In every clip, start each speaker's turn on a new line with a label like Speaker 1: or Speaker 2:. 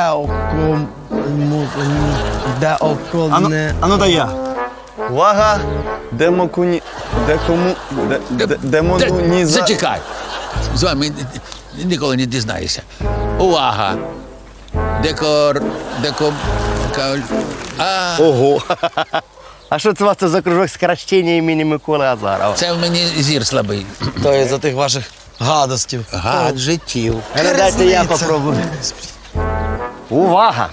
Speaker 1: Ану дай я. Увага!
Speaker 2: Зачекай. З вами ніколи не дізнаєшся. Увага.
Speaker 3: Ого! А що це у вас тут за кружок скорочення імені Миколи Азарова?
Speaker 2: Це в мені зір слабий.
Speaker 1: То із-за тих ваших гадостів.
Speaker 2: Гаджетів.
Speaker 3: Дайте я попробую. Увага!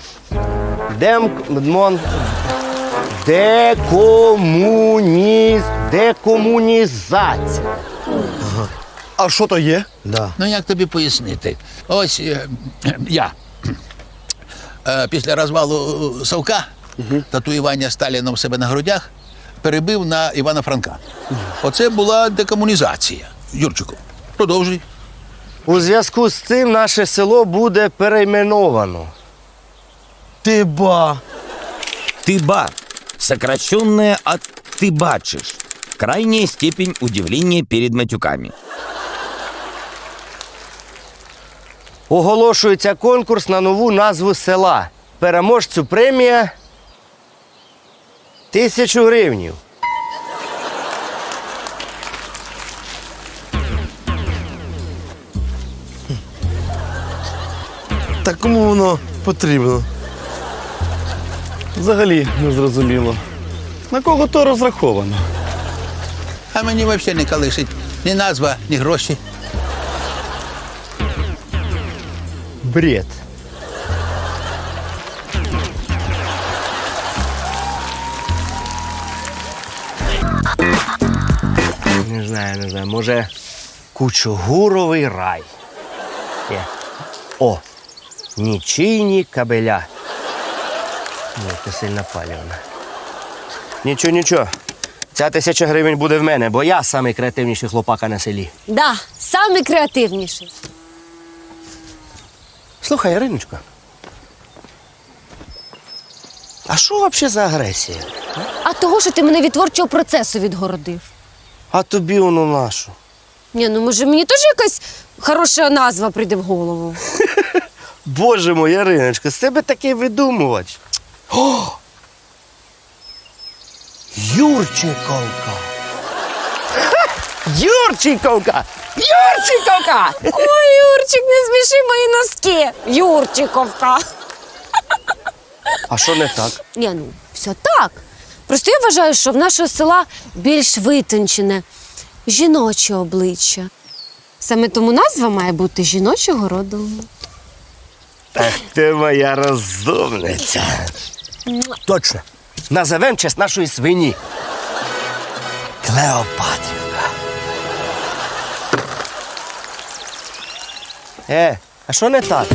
Speaker 3: Декомунізація.
Speaker 1: А що то є?
Speaker 3: Да.
Speaker 2: Ну, як тобі пояснити? Ось я після розвалу Совка, татуювання Сталіном в себе на грудях, перебив на Івана Франка. Оце була декомунізація. Юрчику, продовжуй.
Speaker 3: У зв'язку з цим наше село буде перейменовано.
Speaker 1: Тиба.
Speaker 4: Тыба, сокращенное от «ты бачишь». Крайняя степень удивления перед матюками.
Speaker 3: Оголошується конкурс на нову назву села. Переможцю премія 1000 гривнів.
Speaker 1: Та кому воно потрібно? Взагалі не зрозуміло. На кого то розраховано?
Speaker 2: А мені взагалі не калишить ні назва, ні гроші.
Speaker 3: Бред. Не знаю. Може, Кучугуровий рай. Є. О, нічийні кабеля. Ні, це сильно палівно. Нічого. Ця 1000 гривень буде в мене, бо я самий креативніший хлопака на селі.
Speaker 5: Да, самий креативніший.
Speaker 3: Слухай, Іриночко, а що взагалі за агресія?
Speaker 5: А того, що ти мене від творчого процесу відгородив.
Speaker 3: А тобі воно нашу.
Speaker 5: Ні, ну може мені теж якась хороша назва прийде в голову.
Speaker 3: Боже мой, Іриночко, з тебе такий видумувач. О! Юрчиковка! Юрчиковка! Юрчиковка!
Speaker 5: Ой, Юрчик, не сміши мої носки. Юрчиковка.
Speaker 3: А що не так?
Speaker 5: Ні, ну, все так. Просто я вважаю, що в нашого села більш витончене, жіноче обличчя. Саме тому назва має бути жіночого роду.
Speaker 3: Ах ти моя розумниця. Точно. Назовем в честь нашої свині. Клеопатрівка. А що не так?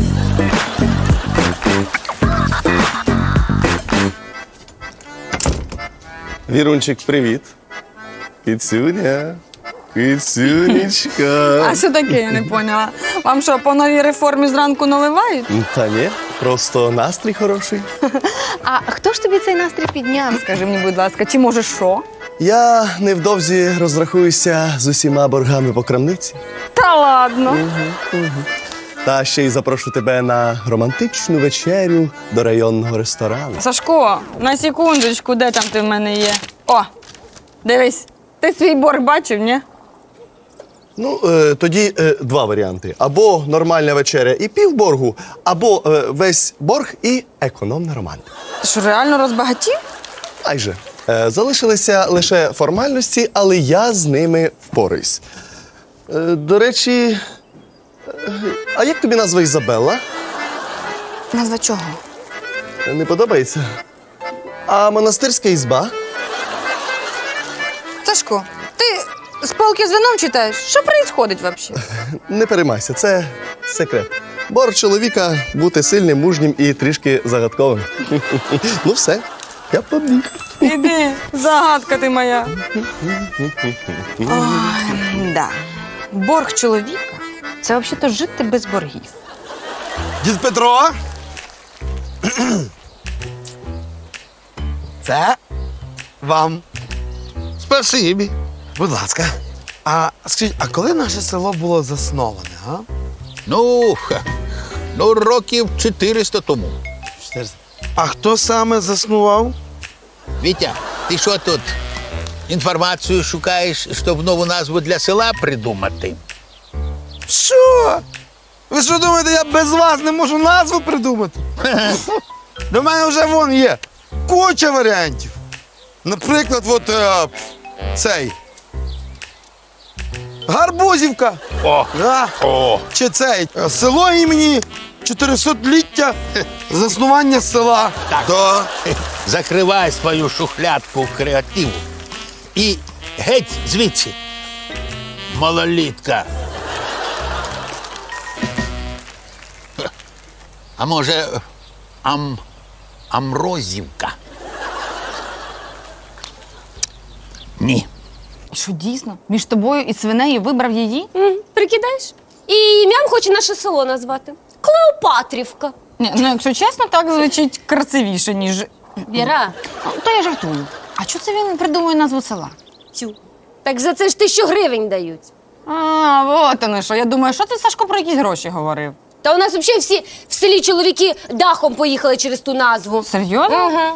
Speaker 1: Вірунчик, привіт. Кицюня. Кицюнечка.
Speaker 6: А що таке, я не поняла. Вам що, по новій реформі зранку наливають?
Speaker 1: Та ні, просто настрій хороший.
Speaker 6: А хто ж тобі цей настрій підняв, скажи мені, будь ласка, чи може що?
Speaker 1: Я невдовзі розрахуюся з усіма боргами по крамниці.
Speaker 6: Та ладно.
Speaker 1: Та ще й запрошу тебе на романтичну вечерю до районного ресторану.
Speaker 6: Сашко, на секундочку, де там ти в мене є? О, дивись, ти свій борг бачив, ні?
Speaker 1: Ну, тоді два варіанти. Або нормальна вечеря і півборгу, або весь борг і економна романтика.
Speaker 6: Ти що, реально розбагатів?
Speaker 1: Майже. Залишилися лише формальності, але я з ними впораюсь. До речі, а як тобі назва Ізабелла?
Speaker 6: Назва чого?
Speaker 1: Не подобається? А монастирська ізба?
Speaker 6: Сашко, ти з полки з вином читаєш? Що відбувається взагалі?
Speaker 1: Не переймайся, це секрет. Борг чоловіка бути сильним, мужнім і трішки загадковим. Ну все, я побіг.
Speaker 6: Іди, загадка ти моя. Ой, да. Борг чоловіка – це взагалі-то жити без боргів.
Speaker 7: Дід Петро. Це вам. Спасибі. Будь ласка. А скажіть, а коли наше село було засноване, а?
Speaker 2: Ну, Ну, років 400 тому.
Speaker 7: А хто саме заснував?
Speaker 2: Вітя, ти що тут? Інформацію шукаєш, щоб нову назву для села придумати?
Speaker 7: Що? Ви що думаєте, я без вас не можу назву придумати? До мене вже вон є куча варіантів. Наприклад, от цей. Гарбузівка.
Speaker 2: О!
Speaker 7: Да.
Speaker 2: О!
Speaker 7: Чи цей село імені 400-ліття заснування села.
Speaker 2: Так.
Speaker 7: Да.
Speaker 2: Закривай свою шухлядку креативу. І геть звідси. Малолітка. А може, Амрозівка? Ні.
Speaker 6: Що дійсно? Між тобою і свинею вибрав її?
Speaker 5: Прикидаєш? І ім'ям хоче наше село назвати. Клеопатрівка.
Speaker 6: Ні, ну якщо чесно, так звучить красивіше, ніж.
Speaker 5: Віра,
Speaker 6: То я жартую. А чого це він придумує назву села?
Speaker 5: тю. Так за це ж 1000 гривень дають.
Speaker 6: А, от воно що. Я думаю, що це Сашко про якісь гроші говорив?
Speaker 5: Та у нас взагалі всі в селі чоловіки дахом поїхали через ту назву.
Speaker 6: Серйозно?
Speaker 5: Ага.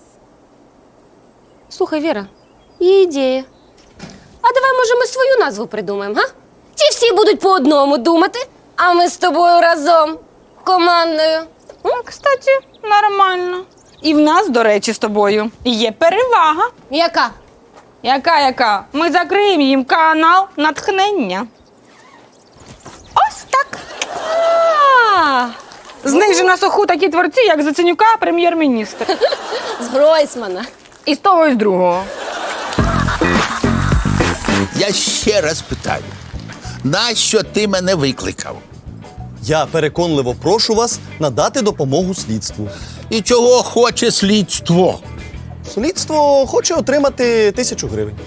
Speaker 5: Слухай, Віра, є ідея. А давай, може, ми свою назву придумаємо, га? Ті всі будуть по одному думати, а ми з тобою разом, командою.
Speaker 6: Ну, кстати, нормально. І в нас, до речі, з тобою є перевага.
Speaker 5: Яка?
Speaker 6: Яка? Ми закриємо їм канал натхнення. Ось так.
Speaker 5: А,
Speaker 6: З них же на суху такі творці, як Заценюка, прем'єр-міністр.
Speaker 5: з Гройсмана.
Speaker 6: І з того, і з другого.
Speaker 2: Я ще раз питаю, нащо ти мене викликав?
Speaker 1: Я переконливо прошу вас надати допомогу слідству.
Speaker 2: І чого хоче слідство?
Speaker 1: Слідство хоче отримати 1000 гривень.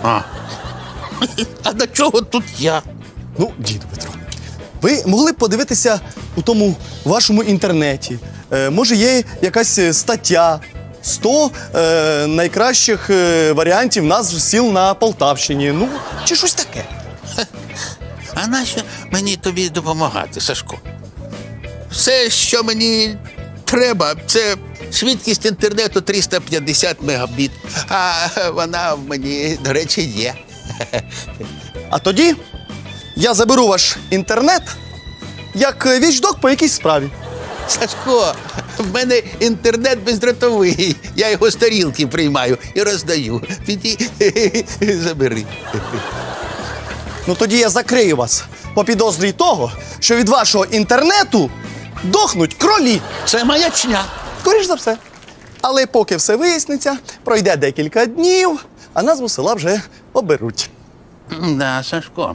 Speaker 2: А до чого тут я?
Speaker 1: Ну, діду Петро, ви могли б подивитися у тому вашому інтернеті. Може, є якась стаття 100 найкращих варіантів назв сіл на Полтавщині. Ну, чи щось таке.
Speaker 2: А нащо мені тобі допомагати, Сашко? Все, що мені треба, це швидкість інтернету 350 мегабіт. А вона в мені, до речі, є.
Speaker 1: А тоді я заберу ваш інтернет як вічдок по якійсь справі.
Speaker 2: Сашко, в мене інтернет бездротовий. Я його з тарілки приймаю і роздаю. Піди, забери.
Speaker 1: Ну тоді я закрию вас по підозрі того, що від вашого інтернету дохнуть кролі.
Speaker 2: Це маячня.
Speaker 1: Скоріш за все. Але поки все виясниться, пройде декілька днів, а назву села вже оберуть.
Speaker 2: Да, Сашко.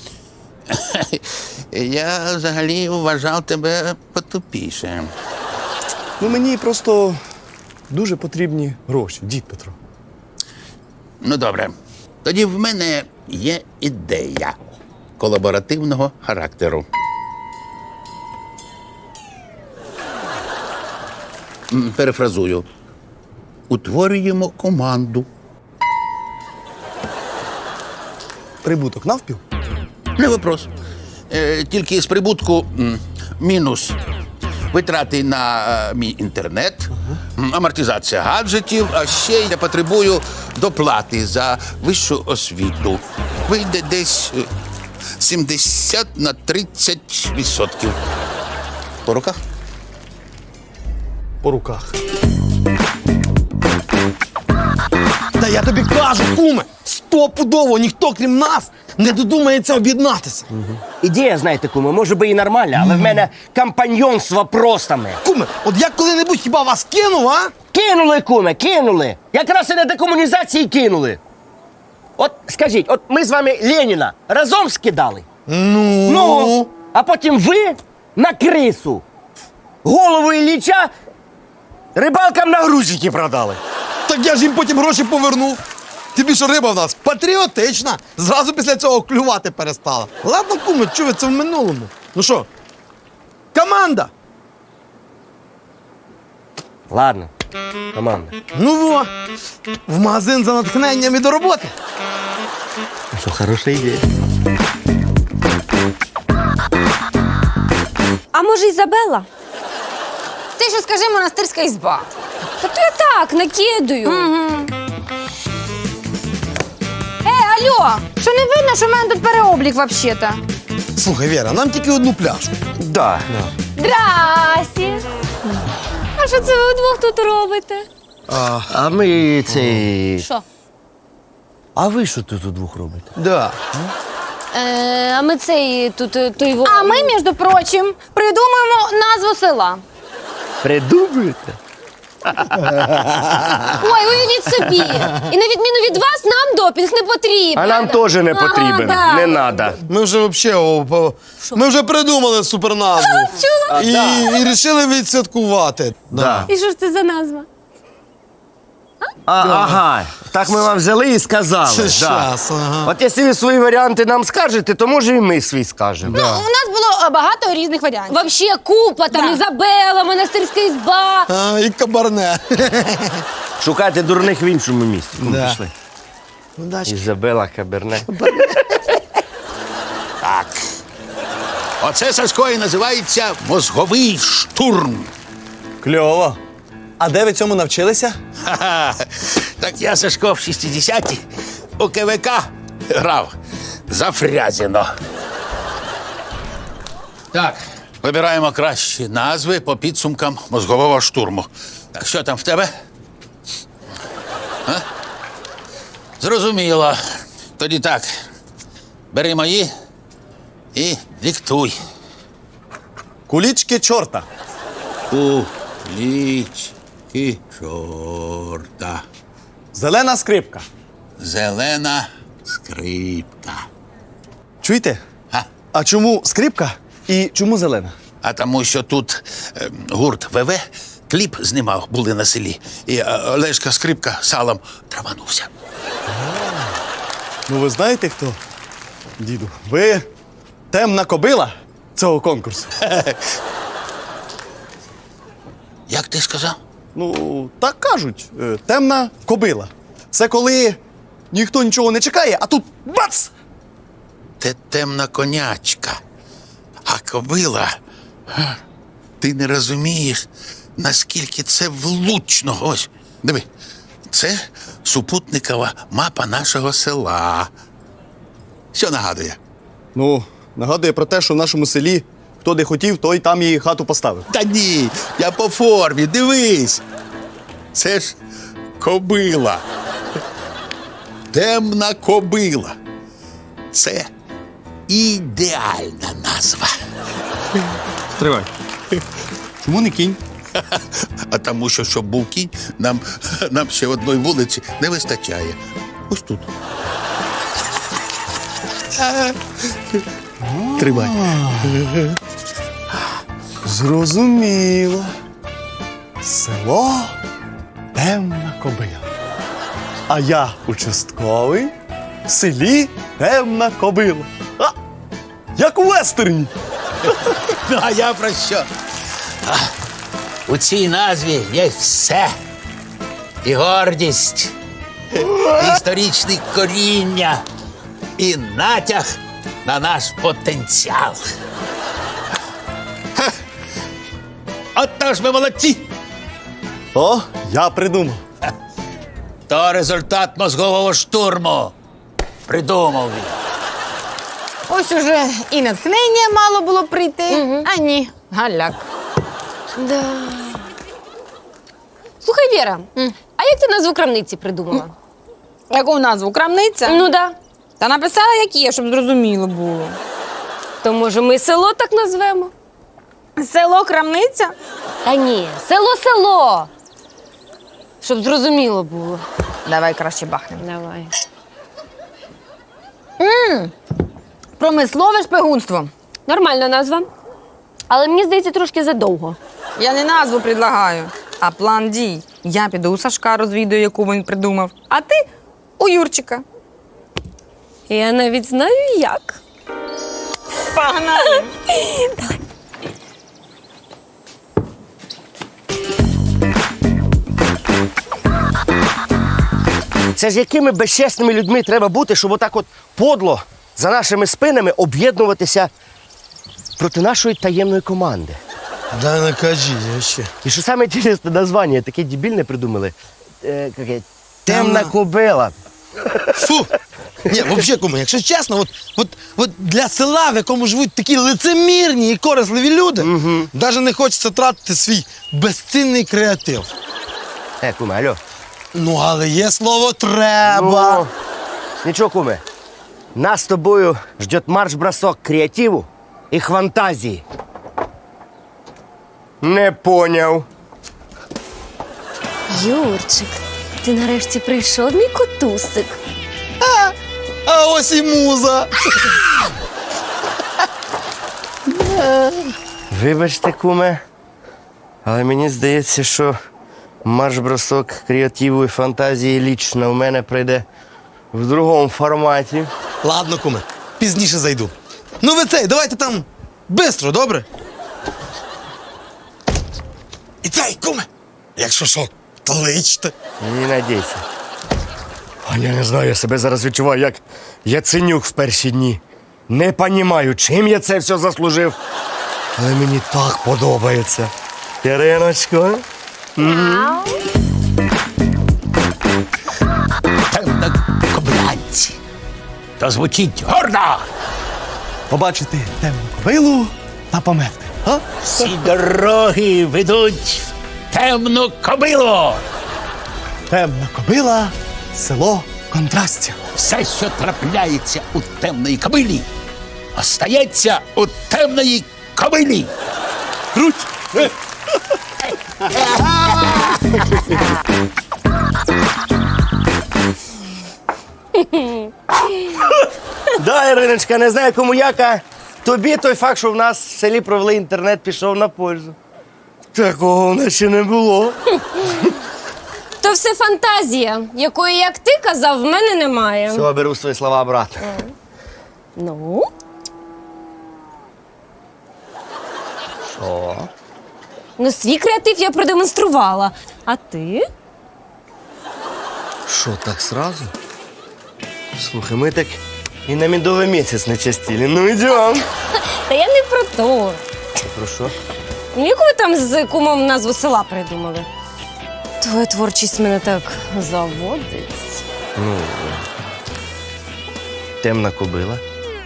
Speaker 2: Я взагалі вважав тебе потупішим.
Speaker 1: Ну мені просто дуже потрібні гроші, дід Петро.
Speaker 2: Ну, добре. Тоді в мене є ідея колаборативного характеру. Перефразую. Утворюємо команду.
Speaker 1: Прибуток навпіл?
Speaker 2: Не вопрос. Тільки з прибутку мінус витрати на мій інтернет, амортизація гаджетів, а ще я потребую доплати за вищу освіту. Вийде десь 70 на 30%. По руках?
Speaker 1: По руках.
Speaker 7: Та я тобі кажу, куме, стопудово ніхто, крім нас, не додумається об'єднатися.
Speaker 3: Ідея, знаєте, куме, може би і нормальна, але в мене компаньйон з вопросами.
Speaker 7: Куме, от я коли-небудь хіба вас кинув, а?
Speaker 3: Кинули, куме, кинули. Якраз і на декомунізації кинули. От скажіть, от ми з вами Леніна разом скидали? Ну, а потім ви на крису. Голову Ілліча рибалкам на грузики продали.
Speaker 7: Так я ж їм потім гроші повернув. Тобі що риба в нас патріотична. Зразу після цього клювати перестала. Ладно, куме, чув, це в минулому. Ну що, команда?
Speaker 3: Ладно, команда.
Speaker 7: Ну во, в магазин за натхненням і до роботи.
Speaker 3: Що, хороша ідея.
Speaker 5: А може, Ізабелла?
Speaker 6: Ти ще скажи монастирська ізба.
Speaker 5: Та то я так, накидаю.
Speaker 6: Алло, що не видно, що в мене тут переоблік взагалі-то?
Speaker 7: Слухай, Віра, нам тільки одну пляшку.
Speaker 3: Да.
Speaker 5: Здрасті. А що це ви вдвох тут робите?
Speaker 3: А ми цей.
Speaker 5: Що?
Speaker 3: А ви що тут удвох робите?
Speaker 7: Да.
Speaker 5: А ми цей тут той
Speaker 6: А ми, між прочим, придумаємо назву села.
Speaker 3: Придумуєте?
Speaker 5: Ой, уявіть собі. І на відміну від вас, нам допінг не потрібен.
Speaker 3: А нам теж не потрібен.
Speaker 5: да.
Speaker 3: Не надо.
Speaker 7: Ми вже взагалі, ми вже придумали суперназву. І вирішили відсвяткувати.
Speaker 3: Да.
Speaker 5: І що ж це за назва?
Speaker 3: Ага, так ми вам взяли і сказали.
Speaker 7: Ще
Speaker 3: Да.
Speaker 7: щас, ага.
Speaker 3: От якщо ви свої варіанти нам скажете, то може і ми свій скажемо.
Speaker 6: У нас було багато різних варіантів.
Speaker 5: Вообще купа, там Ізабела, монастирська ізба.
Speaker 7: А, і кабарне.
Speaker 3: Шукайте дурних в іншому місці. Ну,
Speaker 7: Да.
Speaker 3: пішли.
Speaker 7: Удачі.
Speaker 3: Ізабела Каберне.
Speaker 2: Так. Оце, Сашко, і називається мозговий штурм.
Speaker 1: Кльово. А де ви цьому навчилися?
Speaker 2: Ха-ха. Так я, Сашко, в 60-ті у КВК грав за Фрязіно. Так, вибираємо кращі назви по підсумкам мозгового штурму. Так, що там в тебе? А? Зрозуміло. Тоді так. Бери мої і диктуй.
Speaker 1: Кулічки чорта.
Speaker 2: Кулічки чорта.
Speaker 1: Зелена скрипка.
Speaker 2: Зелена скрипка.
Speaker 1: Чуєте?
Speaker 2: А?
Speaker 1: А чому скрипка і чому зелена?
Speaker 2: А тому, що тут гурт ВВ кліп знімав, були на селі, і Олешка Скрипка салом траванувся.
Speaker 1: Ну ви знаєте хто? Діду, ви темна кобила цього конкурсу.
Speaker 2: Як ти сказав?
Speaker 1: Ну, так кажуть, темна кобила. Це коли ніхто нічого не чекає, а тут бац!
Speaker 2: Ти темна конячка. А кобила, ти не розумієш, наскільки це влучно. Ось, диви, це супутникова мапа нашого села. Що нагадує?
Speaker 1: Ну, нагадує про те, що в нашому селі хто де хотів, той там і хату поставив.
Speaker 2: Та ні, я по формі, дивись. Це ж кобила. Темна кобила. Це ідеальна назва.
Speaker 1: Стривай. Чому не кінь?
Speaker 2: А тому, що щоб був кінь, нам ще одної вулиці не вистачає. Ось тут. Тримай.
Speaker 1: Зрозуміло. Село темна кобила. А я участковий в селі темна кобила. А, як у вестерні.
Speaker 2: Ну, а я про що? У цій назві є все. І гордість, і історичне коріння, і натяг на наш потенціал. Ха! Отож ми молодці!
Speaker 1: О, я придумав.
Speaker 2: То результат мозгового штурму. Придумав він.
Speaker 6: Ось уже і натхнення мало було прийти, а ні, галяк.
Speaker 5: Да. Слухай, Віра, а як ти назву крамниці придумала?
Speaker 6: Яку назву? Крамниця?
Speaker 5: Ну да.
Speaker 6: Та написала, як є, щоб зрозуміло було.
Speaker 5: То може ми село так назвемо?
Speaker 6: Село Крамниця?
Speaker 5: Та ні, село-село. Щоб зрозуміло було.
Speaker 6: Давай краще бахнемо.
Speaker 5: Давай.
Speaker 6: Промислове шпигунство.
Speaker 5: Нормальна назва. Але мені здається, трошки задовго.
Speaker 6: Я не назву предлагаю, а план дій. Я піду у Сашка розвідую, яку він придумав, а ти у Юрчика.
Speaker 5: Я навіть знаю, як.
Speaker 6: Погнали!
Speaker 3: Це ж якими безчесними людьми треба бути, щоб отак от подло за нашими спинами об'єднуватися проти нашої таємної команди.
Speaker 7: Да не кажи, я ще.
Speaker 3: І що саме інтересне названня, таке дебільне придумали. Темна кобила.
Speaker 7: Фу! Ні, взагалі, куме, якщо чесно, от для села, в якому живуть такі лицемірні і корисливі люди, навіть не хочеться тратити свій безцінний креатив.
Speaker 3: Куме, алло.
Speaker 7: Ну, але є слово треба.
Speaker 3: Ну, нічого, куме. Нас з тобою ждет марш-бросок креативу і фантазії. Не поняв.
Speaker 5: Юрчик, ти нарешті прийшов, мій котусик.
Speaker 7: А ось і муза.
Speaker 3: Вибачте, куме, але мені здається, що марш-бросок креативу і фантазії лічно в мене прийде в другому форматі.
Speaker 7: Ладно, куме, пізніше зайду. Ну ви давайте там бистро, добре? І куме, якщо що, то личте.
Speaker 3: Не надійся. А я не знаю, я себе зараз відчуваю, як Яценюк в перші дні. Не понімаю, чим я це все заслужив. Але мені так подобається. Іриночко.
Speaker 2: Темнокобилянці. То звучить гордо.
Speaker 1: Побачити темну кобилу та померти. А?
Speaker 2: Всі дороги ведуть в темну кобилу.
Speaker 1: Темна кобила, село контрастів.
Speaker 2: Все, що трапляється у темної кобилі, остається у темної кобилі.
Speaker 1: Круть!
Speaker 3: Да, Іриночка, не знаю, кому яка. Тобі той факт, що в нас в селі провели інтернет, пішов на пользу. Такого в нас ще не було.
Speaker 5: То все фантазія, якої, як ти казав, в мене немає.
Speaker 3: Все, беру свої слова обратно.
Speaker 5: Ну?
Speaker 3: Що?
Speaker 5: Ну, свій креатив я продемонструвала. А ти?
Speaker 3: Що, так сразу? Слухай, ми так і на медовий місяць не частіли. Ну, йдем.
Speaker 5: Та я не про то.
Speaker 3: Про що?
Speaker 5: Ну, яку ви там з кумом назву села придумали? Твоя творчість мене так заводить.
Speaker 3: Темна кобила.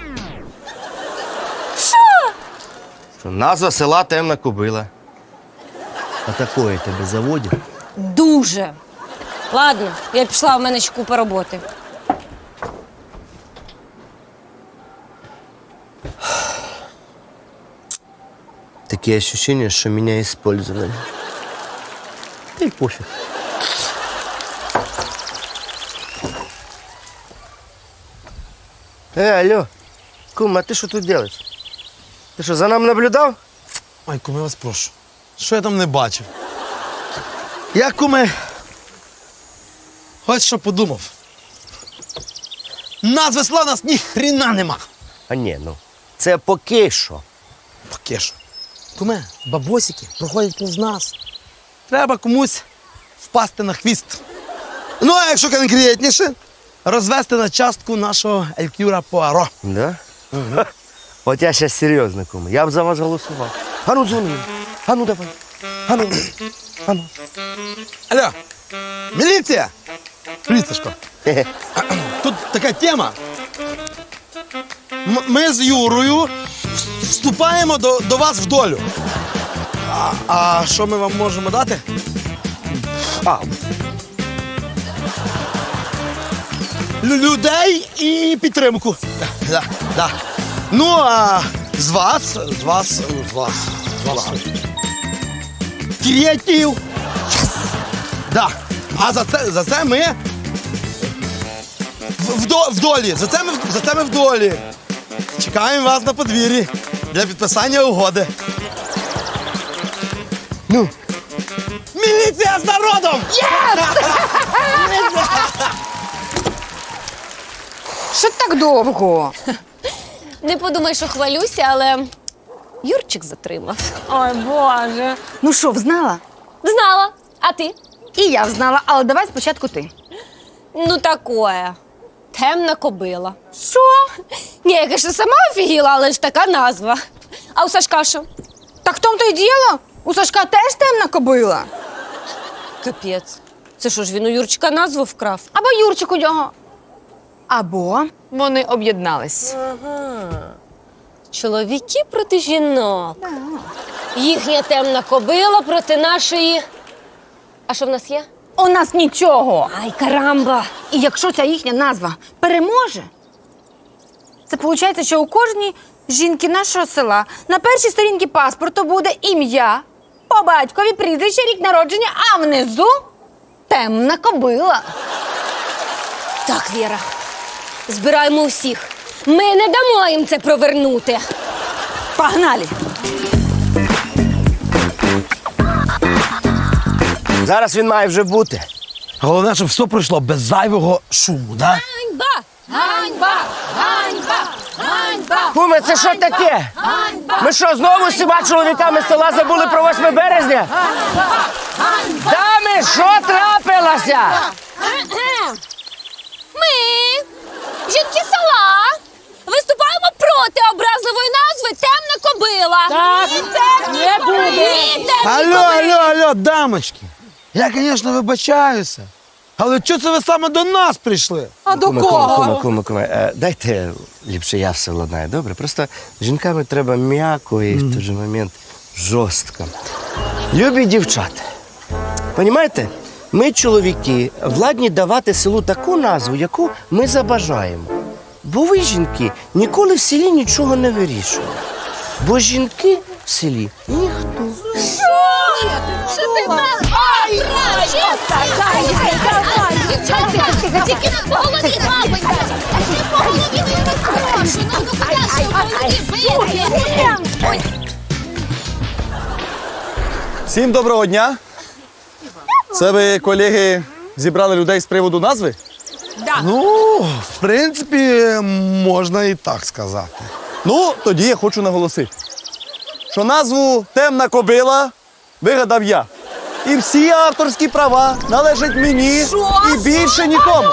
Speaker 3: Що? Назва села Темна кобила. А такое тебе заводить?
Speaker 5: Дуже. Ладно, я пішла, в мене ще купа роботи.
Speaker 3: Такие ощущения, что меня использовали. Да и пофиг. Алло, кум, а ты что тут делаешь? Ты что, за нами наблюдал?
Speaker 7: Ой, куме, вас прошу. Що я там не бачив? Я, куме, ось що подумав. Назви села у нас ні хріна нема.
Speaker 3: А ні, ну, це поки що.
Speaker 7: Поки що. Куме, бабосики проходять повз нас. Треба комусь впасти на хвіст. Ну, а якщо конкретніше, розвести на частку нашого Елькюра Пуаро.
Speaker 3: Да? Ха, от я зараз серйозно, кум. Я б за вас голосував. А ну, дзвони. А ну, давай. А ну. А ну.
Speaker 7: Алло, міліція! Привіт, Сашко.
Speaker 3: Хе-хе.
Speaker 7: Тут така тема. Ми з Юрою вступаємо до вас в долю. А що ми вам можемо дати? Людей і підтримку. Да. Ну, а з вас. Креатив. Да. А за це ми в долі. За це ми в долі. Чекаємо вас на подвір'ї для підписання угоди. Ну. Міліція з народом!
Speaker 6: Що так довго?
Speaker 5: Не подумай, що хвалюся, але Юрчик затримав.
Speaker 6: Ой, Боже. Ну що, взнала?
Speaker 5: Знала. А ти?
Speaker 6: І я взнала, але давай спочатку ти.
Speaker 5: Ну, такое. Темна кобила.
Speaker 6: Що?
Speaker 5: Ні, я, конечно, сама офігіла, але ж така назва. А у Сашка що?
Speaker 6: Так в тому то й діло. У Сашка теж темна кобила.
Speaker 5: Капець. Це що ж він у Юрчика назву вкрав?
Speaker 6: Або Юрчик у нього. Або вони об'єднались.
Speaker 5: Чоловіки проти жінок. Їхня темна кобила проти нашої. А що в нас є?
Speaker 6: У нас нічого.
Speaker 5: Ай, карамба!
Speaker 6: І якщо ця їхня назва переможе, це виходить, що у кожній жінки нашого села на першій сторінці паспорту буде ім'я, по батькові прізвище, рік народження, а внизу темна кобила.
Speaker 5: Так, Віра, збираємо усіх. Ми не дамо їм це провернути.
Speaker 6: Погнали!
Speaker 3: Зараз він має вже бути.
Speaker 7: Головне, щоб все пройшло без зайвого шуму, да?
Speaker 5: Ганьба! Ганьба! Ганьба! Ганьба!
Speaker 3: Куме, це що таке? Ми що, знову всіма чоловіками села забули про 8 березня? Дами, що трапилося?
Speaker 5: Ми, жінки села, виступаємо проти образливої назви «Темна кобила». Так, не буде.
Speaker 7: Алло, дамочки. Я, звісно, вибачаюся. Але чого це ви саме до нас прийшли?
Speaker 6: А до
Speaker 3: Куме, дайте ліпше я все ладнаю, добре? Просто з жінками треба м'яко і в той же момент жорстко. Любі дівчата, понімаєте? Ми, чоловіки, владні давати селу таку назву, яку ми забажаємо. Бо ви, жінки, ніколи в селі нічого не вирішуєте. Бо жінки в селі ніхто.
Speaker 5: Що ти нас? Ай, дівчатка, тільки не по голові, мабуть. Не по голові, не розпрошу. Ну, куди бити?
Speaker 1: Всім доброго дня. Це ви, колеги, зібрали людей з приводу назви?
Speaker 7: Ну, в принципі, можна і так сказати.
Speaker 1: Ну, тоді я хочу наголосити, що назву «Темна кобила» вигадав я. І всі авторські права належать мені і більше нікому.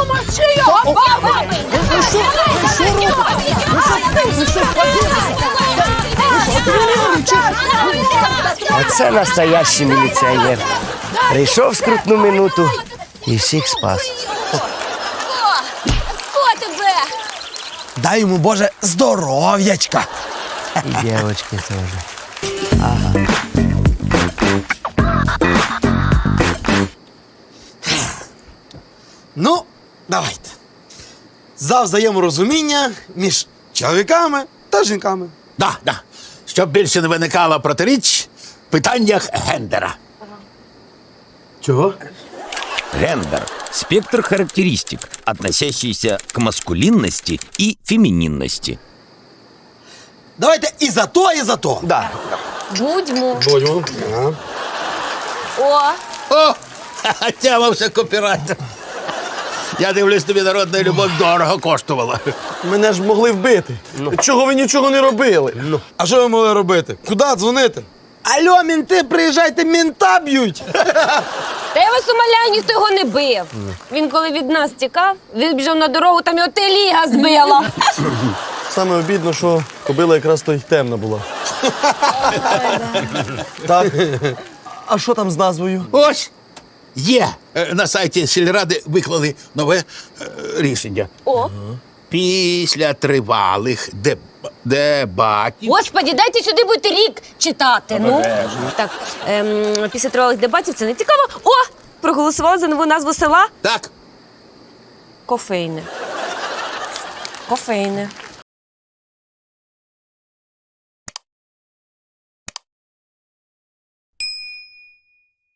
Speaker 3: Оце настоящий міліціонер. Прийшов в скрутну минуту і всіх спас.
Speaker 5: Хто тебе?
Speaker 7: Дай йому, Боже, здоров'ячка.
Speaker 3: І дівчатки теж.
Speaker 7: Ну, давайте. За взаєморозуміння між чоловіками та жінками.
Speaker 2: Да. Щоб більше не виникало протиріч в питаннях гендера.
Speaker 7: Чого?
Speaker 4: Гендер – спектр характеристик, относящийся к маскулинности и фемининности.
Speaker 7: Давайте і за то, і за то.
Speaker 3: Да.
Speaker 5: Будьмо.
Speaker 7: Будьмо.
Speaker 5: О,
Speaker 2: Тямався копірайтер. Я дивлюсь, тобі народна любов дорого коштувала.
Speaker 1: Мене ж могли вбити. Чого ви нічого не робили?
Speaker 7: А що ви могли робити? Куди дзвонити? Алло, мінти, приїжджайте, мінта б'ють.
Speaker 5: та я вас умоляю, ніхто його не бив. Він коли від нас тікав, вибіжав на дорогу, там його теліга збила.
Speaker 1: Саме обідно, що кобила якраз то й темна була. Так. А що там з назвою?
Speaker 2: Ось є. На сайті сільради виклали нове рішення.
Speaker 5: О,
Speaker 2: Після тривалих дебатів.
Speaker 5: Господі, дайте сюди будете рік читати. Ну. Так, після тривалих дебатів це не цікаво. О, проголосували за нову назву села
Speaker 2: Так,
Speaker 5: Кофейне. Кофейне.